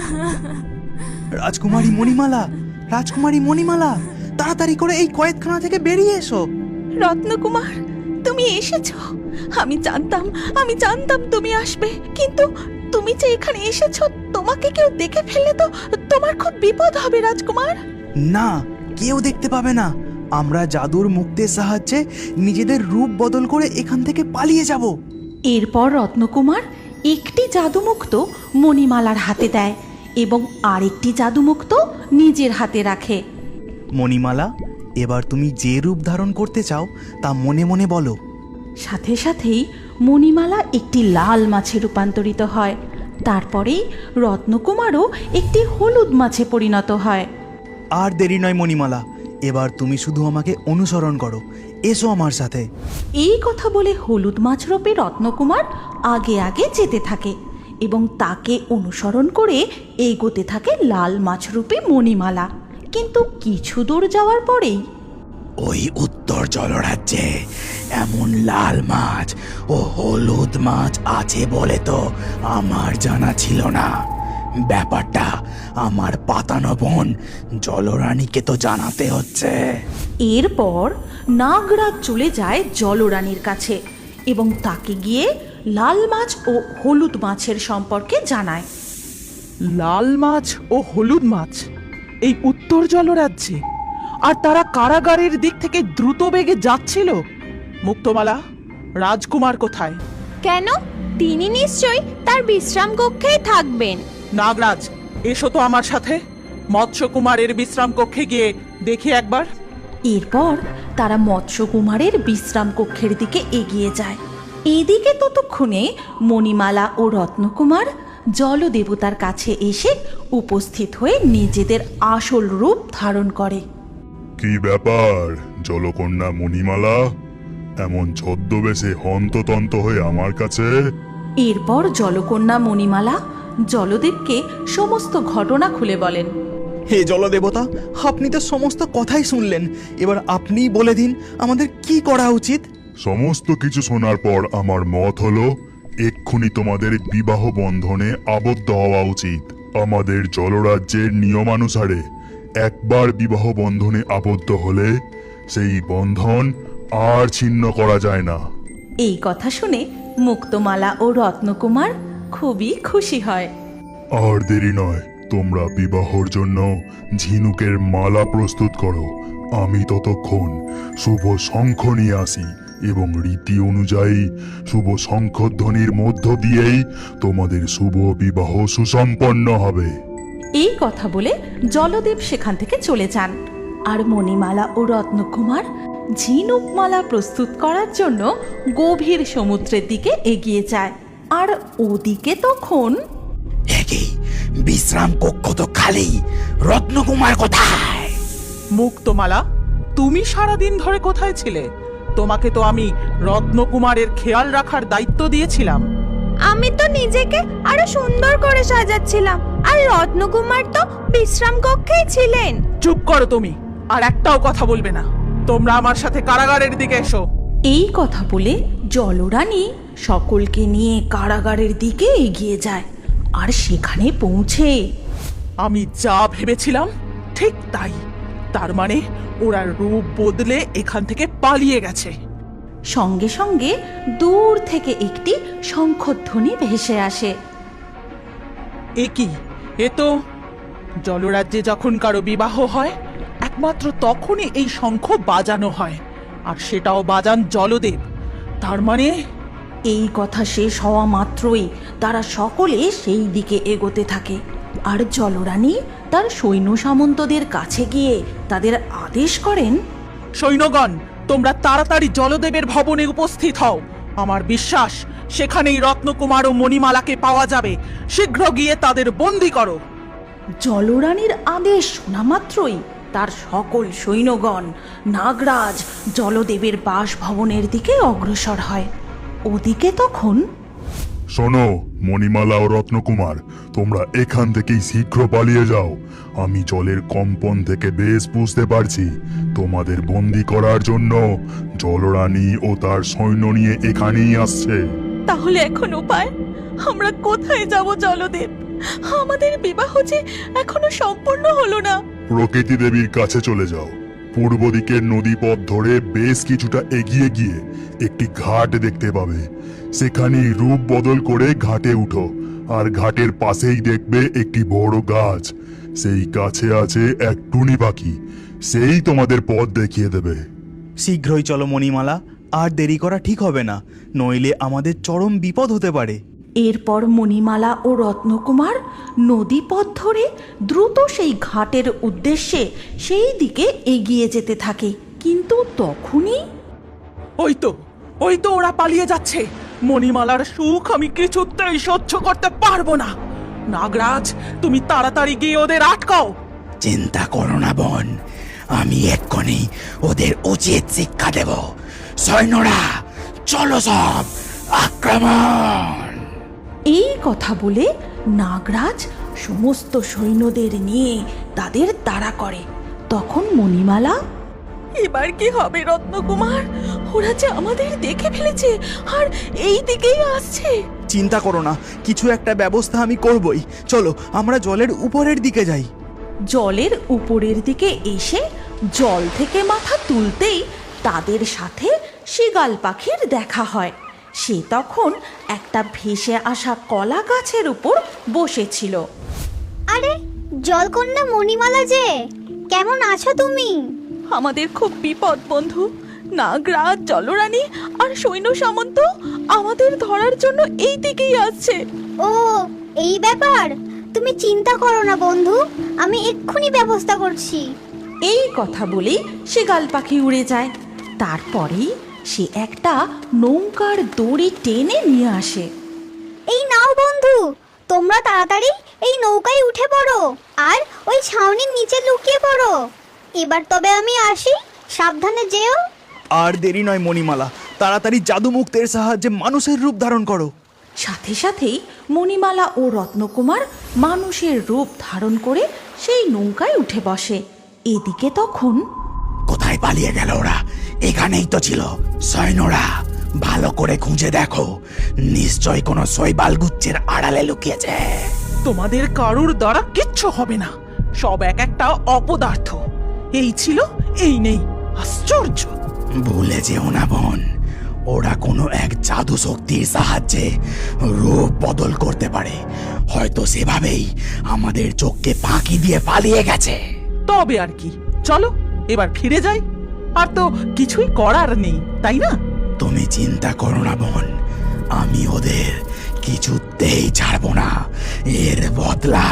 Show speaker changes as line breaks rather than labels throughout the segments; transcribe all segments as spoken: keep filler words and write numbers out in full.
রাজকুমারী মণিমালা, রাজকুমারী মণিমালা, তাড়াতাড়ি করে এই কয়েদখানা থেকে বেরিয়ে এসো।
রত্নকুমার, তুমি এসেছো। আমি জানতাম আমি জানতাম তুমি আসবে, কিন্তু তুমি যে এখানে এসেছো, তোমাকে কেউ দেখে ফেললে তো তোমার খুব বিপদ হবে রাজকুমার।
না, কেউ দেখতে পাবে না। আমরা জাদুর মুক্তের সাহায্যে নিজেদের রূপ বদল করে এখান থেকে পালিয়ে যাব।
এরপর রত্নকুমার একটি জাদুমুক্ত মণিমালার হাতে দেয় এবং আরেকটি জাদুমুক্ত নিজের হাতে রাখে।
মণিমালা, এবার তুমি যে রূপ ধারণ করতে চাও তা মনে মনে বলো।
সাথে সাথেই মণিমালা একটি লাল মাছে রূপান্তরিত হয়। তারপরেই রত্নকুমারও একটি হলুদ মাছে পরিণত হয়।
আর দেরি নয় মণিমালা, এবার তুমি শুধু আমাকে অনুসরণ করো। এসো আমার সাথে।
এই কথা বলে হলুদ মাছ রূপে রত্নকুমার আগে আগে যেতে থাকে এবং তাকে অনুসরণ করে এগোতে থাকে লাল মাছ রূপে মণিমালা। কিন্তু কিছু দূর যাওয়ার পরেই
ওই উত্তর জলরাজ্যে এমন লাল মাছ ও হলুদ মাছ আছে বলে তো আমার জানা ছিল না। ব্যাপারটা আমার পাতানো বোন জলরানীকে তো জানাতে হচ্ছে।
এরপর নাগরাজ চলে যায় জলরানীর কাছে এবং তাকে গিয়ে লাল মাছ ও হলুদ মাছের সম্পর্কে জানায়।
লাল মাছ ও হলুদ মাছ এই উত্তর জলরাজ্যে, আর তারা কারাগারের দিক থেকে দ্রুত বেগে যাচ্ছিল। মুক্তমালা, রাজকুমার কোথায়?
কেন? তিনি নিশ্চয়ই তার বিশ্রাম কক্ষেই থাকবেন।
নাগরাজ, এসো তো আমার সাথে। মৎস্যকুমারের বিশ্রাম কক্ষে গিয়ে দেখি একবার।
এরপর তারা মৎস্যকুমারের বিশ্রাম কক্ষের দিকে এগিয়ে যায়। এদিকে ততক্ষণে মণিমালা ও রত্নকুমার জলদেবতার কাছে এসে উপস্থিত হয়ে নিজেদের আসল রূপ ধারণ করে।
কি ব্যাপার জলকন্যা মণিমালা, এমন ছদ্মবেশে হন্ততন্ত হয়ে আমার কাছে?
এরপর জলকন্যা মণিমালা জলদেবকে সমস্ত ঘটনা খুলে বলেন।
হে জলদেবতা, আপনি তো সমস্ত কথাই শুনলেন। এবার আপনিই বলে দিন আমাদের কি করা উচিত।
সমস্ত কিছু শোনার পর আমার মত হলো এক্ষুনি তোমাদের বিবাহ বন্ধনে আবদ্ধ হওয়া উচিত। আমাদের জলরাজ্যের নিয়মানুসারে একবার বিবাহ বন্ধনে আবদ্ধ হলে সেই বন্ধন আর ছিন্ন করা যায় না।
এই কথা শুনে মুক্তমালা ও রত্নকুমার খুবই খুশি হয়।
আর দেরি নয়, তোমরা বিবাহর জন্য ঝিনুকের মালা প্রস্তুত করো। আমি ততক্ষণ শুভ শঙ্খ নিয়ে আসি এবং রীতি অনুযায়ী শুভ শঙ্খধ্বনির মধ্য দিয়েই তোমাদের শুভ বিবাহ সুসম্পন্ন হবে।
এই কথা বলে জলদেব সেখান থেকে চলে যান। আর মণিমালা ও রত্নকুমার ঝিনুকমালা প্রস্তুত করার জন্য গভীর সমুদ্রের দিকে এগিয়ে যায়। আর ওদিকে তখন
একই বিশ্রাম কক্ষ তো খালি, রত্নকুমার কোথায়?
মুক্তমালা, তুমি সারাদিন ধরে কোথায় ছিলে? তোমাকে তো আমি রত্নকুমারের খেয়াল রাখার দায়িত্ব দিয়েছিলাম।
আমি তো নিজেকে আরো সুন্দর করে সাজাচ্ছিলাম, আর রত্নকুমার তো বিশ্রাম কক্ষেই ছিলেন।
চুপ করো তুমি, আর একটাও কথা বলবে না। তোমরা আমার সাথে কারাগারের দিকে এসো।
এই কথা বলে জলরানী সকলকে নিয়ে কারাগারের দিকে এগিয়ে যায়। আর সেখানে পৌঁছে
আমি যা ভেবেছিলাম ঠিক তাই। তার মানে ওরা রূপ বদলে এখান থেকে পালিয়ে গেছে।
সঙ্গে সঙ্গে দূর থেকে একটি শঙ্খধ্বনি ভেসে আসে।
এ কি? এ তো জলরাজ্যে যখন কারো বিবাহ হয় একমাত্র তখনই এই শঙ্খ বাজানো হয়, আর সেটাও বাজান জলদেব। তার মানে
এই কথা শেষ হওয়া মাত্রই তারা সকলে সেই দিকে এগোতে থাকে। আর জলরানী তার সৈন্য সামন্তদের কাছে গিয়ে তাদের আদেশ করেন,
সৈন্যগণ, তোমরা তাড়াতাড়ি জলদেবের ভবনে উপস্থিত হও। আমার বিশ্বাস সেখানেই রত্নকুমার ও মণিমালাকে পাওয়া যাবে। শীঘ্র গিয়ে তাদের বন্দী করো।
জলরানীর আদেশ শোনা মাত্রই তার সকল সৈন্যগণ নাগরাজ জলদেবের বাসভবনের দিকে অগ্রসর হয়। ওদিকে তখন
শোনো মণিমালা ও রত্নকুমার, তোমরা এখান থেকেই শীঘ্র পালিয়ে যাও। আমি জলের কম্পন থেকে বেশ বুঝতে পারছি তোমাদের বন্দী করার জন্য জলরানী ও তার সৈন্য নিয়ে এখানেই আসছে।
তাহলে এখন উপায়? আমরা কোথায় যাব জলদেব? আমাদের বিবাহ যে এখনো সম্পূর্ণ হলো না।
প্রকৃতি দেবীর কাছে চলে যাও। পূর্ব দিকের নদী পথ ধরে বেশ কিছুটা এগিয়ে গিয়ে একটি ঘাট দেখতে পাবে। সেখানেই রূপ বদল করে ঘাটে উঠো, আর ঘাটের পাশেই দেখবে একটি বড় গাছ। সেই গাছে আছে এক টুনি পাখি, সেই তোমাদের পথ দেখিয়ে দেবে।
শীঘ্রই চলো মণিমালা, আর দেরি করা ঠিক হবে না, নইলে আমাদের চরম বিপদ হতে পারে।
এরপর মণিমালা ও রত্নকুমার নদী পথ ধরে দ্রুত সেই ঘাটের উদ্দেশ্যে সেই দিকে এগিয়ে যেতে থাকে। কিন্তু তখনই
ওই তো ওই তো ওরা পালিয়ে যাচ্ছে। মণিমালার সুখ আমি কিছুতেই সহ্য করতে পারবো না। নাগরাজ, তুমি তাড়াতাড়ি গিয়ে ওদের আটকাও।
চিন্তা করো না বোন, আমি এক্ষুনি ওদের উচিত শিক্ষা দেব। সৈন্যরা চলো, সব আক্রমণ!
এই কথা বলে নাগরাজ সমস্ত সৈন্যদের নিয়ে তাদের তাড়া করে। তখন মণিমালা, এবার কি হবে রত্নকুমার? ওরা যে আমাদের দেখে ফেলেছে আর এই দিকেই আসছে।
চিন্তা করো না, কিছু একটা ব্যবস্থা আমি করবই। চলো আমরা জলের উপরের দিকে যাই।
জলের উপরের দিকে এসে জল থেকে মাথা তুলতেই তাদের সাথে শীগাল পাখির দেখা হয়। সে তখন একটা ভেসে আসা কলা গাছের উপর বসেছিল।
আরে জলকন্যা মণিমালা যে, কেমন আছো তুমি?
আমাদের খুব বিপদ বন্ধু। নাগরাজ, জলরানী আর সৈন্য সামন্ত আমাদের ধরার জন্য এই দিকেই আসছে।
ও, এই ব্যাপার? তুমি চিন্তা করো না বন্ধু, আমি এক্ষুনি ব্যবস্থা করছি।
এই কথা বলেই শীগাল পাখি উড়ে যায়। তারপরেই সে একটা নৌকার দড়ি টেনে নিয়ে আসে।
এই নাও বন্ধু, তোমরা তাড়াতাড়ি এই নৌকায় উঠে পড়ো আর ওই ছাউনির নিচে লুকিয়ে পড়ো। এবার তবে আমি আসি, সাবধানে যেও।
আর দেরি নয় মণিমালা, তাড়াতাড়ি জাদু মুক্তের সাহায্যে মানুষের রূপ ধারণ করো।
সাথে সাথেই মণিমালা ও রত্নকুমার মানুষের রূপ ধারণ করে সেই নৌকায় উঠে বসে। এদিকে তখন
কোথায় পালিয়ে গেল ওরা? এখানেই তো ছিল। সৈন্যরা ভালো করে খুঁজে দেখো, নিশ্চয় কোনো শৈবাল গুচ্ছের আড়ালে লুকিয়েছে।
তোমাদের কারুর দ্বারা কিচ্ছু হবে না, সব এক একটা অপদার্থ। এই ছিল, এই নেই, আশ্চর্য।
ভুলে যেও না বোন, ওরা কোনো এক জাদু শক্তির সাহায্যে রূপ বদল করতে পারে। হয়তো সেভাবেই আমাদের চোখকে ফাঁকি দিয়ে পালিয়ে গেছে।
তবে আর কি, চলো এবার ফিরে যাই। আর তো কিছুই করার নেই, তাই না?
তুমি চিন্তা করো না বোন, আমি ওদের কিছুতেই ছাড়বো না। এর বদলা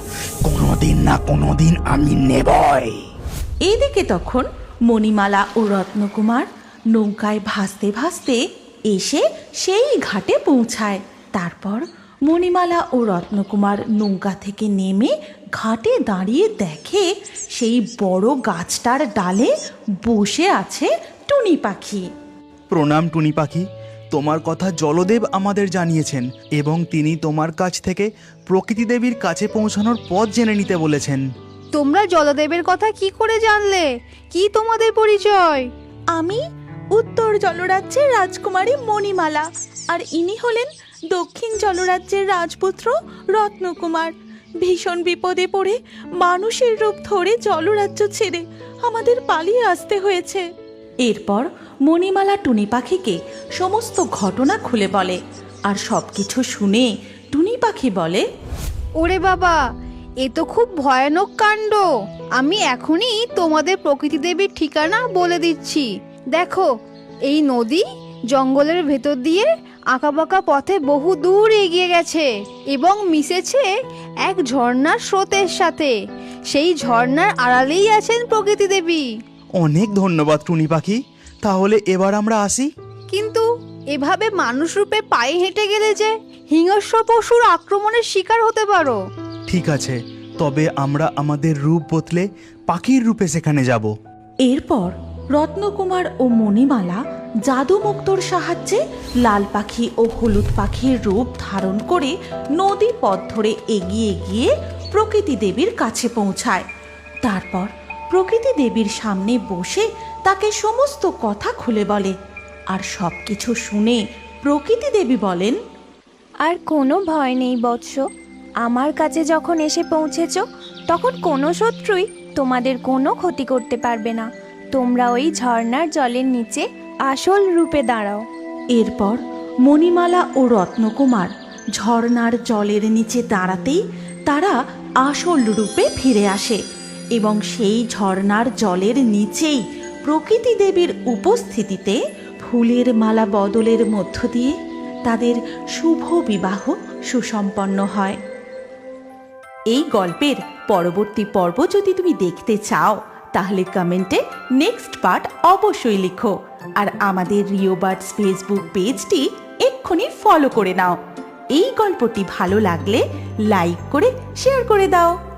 কোনোদিন না কোনোদিন আমি নেবই।
এদিকে তখন মণিমালা ও রত্নকুমার নৌকায় ভাসতে ভাসতে এসে সেই ঘাটে পৌঁছায়। তারপর মণিমালা ও রত্নকুমার নৌকা থেকে নেমে ঘাটে দাঁড়িয়ে দেখে সেই বড় গাছটার ডালে বসে আছে টুনি পাখি।
প্রণাম টুনি পাখি, তোমার কথা জলদেব আমাদের জানিয়েছেন এবং তিনি তোমার কাছ থেকে প্রকৃতি দেবীর কাছে পৌঁছানোর পথ জেনে নিতে বলেছেন।
তোমরা জলদেবের কথা কি করে জানলে? কি তোমাদের পরিচয়?
আমি উত্তর জলরাজ্যের রাজকুমারী মণিমালা, আর ইনি হলেন দক্ষিণ জলরাজ্যের রাজপুত্র রত্নকুমার। ভীষণ বিপদে পড়ে মানুষের রূপ ধরে জলরাজ্য ছেড়ে আমাদের পালিয়ে আসতে হয়েছে। এরপর মণিমালা টুনি পাখিকে সমস্ত ঘটনা খুলে বলে, আর সবকিছু শুনে টুনি পাখি বলে,
ওরে বাবা, এ তো খুব ভয়ানক কাণ্ড। আমি এখনই তোমাদের প্রকৃতি দেবীর ঠিকানা বলে দিচ্ছি। দেখো, এই নদী জঙ্গলের ভেতর দিয়ে আঁকাবাঁকা পথে বহু দূর এগিয়ে গেছে এবং মিশেছে এক ঝর্ণার স্রোতের সাথে। সেই ঝর্ণার আড়ালেই আছেন প্রকৃতি দেবী।
অনেক ধন্যবাদ টুনি পাখি, তাহলে এবার আমরা আসি।
কিন্তু এভাবে মানুষ রূপে পায়ে হেঁটে গেলে যে হিংস্র পশুর আক্রমণের শিকার হতে পারো।
ঠিক আছে, তবে আমরা আমাদের রূপ বদলে পাখির রূপে সেখানে যাব।
এরপর রত্নকুমার ও মণিমালা জাদুমুক্তর সাহায্যে লাল পাখি ও হলুদ পাখির রূপ ধারণ করে নদী পথ ধরে এগিয়ে গিয়ে প্রকৃতি দেবীর কাছে পৌঁছায়। তারপর প্রকৃতি দেবীর সামনে বসে তাকে সমস্ত কথা খুলে বলে, আর সব কিছু শুনে প্রকৃতি দেবী বলেন,
আর কোনো ভয় নেই বৎস,
আমার কাছে যখন এসে পৌঁছেছ তখন কোনো শত্রুই তোমাদের কোনো ক্ষতি করতে পারবে না। তোমরা ওই ঝর্ণার জলের নিচে আসল রূপে দাঁড়াও।
এরপর মণিমালা ও রত্নকুমার ঝর্ণার জলের নিচে দাঁড়াতেই তারা আসল রূপে ফিরে আসে এবং সেই ঝর্ণার জলের নিচেই প্রকৃতি দেবীর উপস্থিতিতে ফুলের মালা বদলের মধ্য দিয়ে তাদের শুভ বিবাহ সুসম্পন্ন হয়। এই গল্পের পরবর্তী পর্ব যদি তুমি দেখতে চাও তাহলে কমেন্টে নেক্সট পার্ট অবশ্যই লিখো, আর আমাদের রিও বার্ডস ফেসবুক পেজটি এক্ষুনি ফলো করে নাও। এই গল্পটি ভালো লাগলে লাইক করে শেয়ার করে দাও।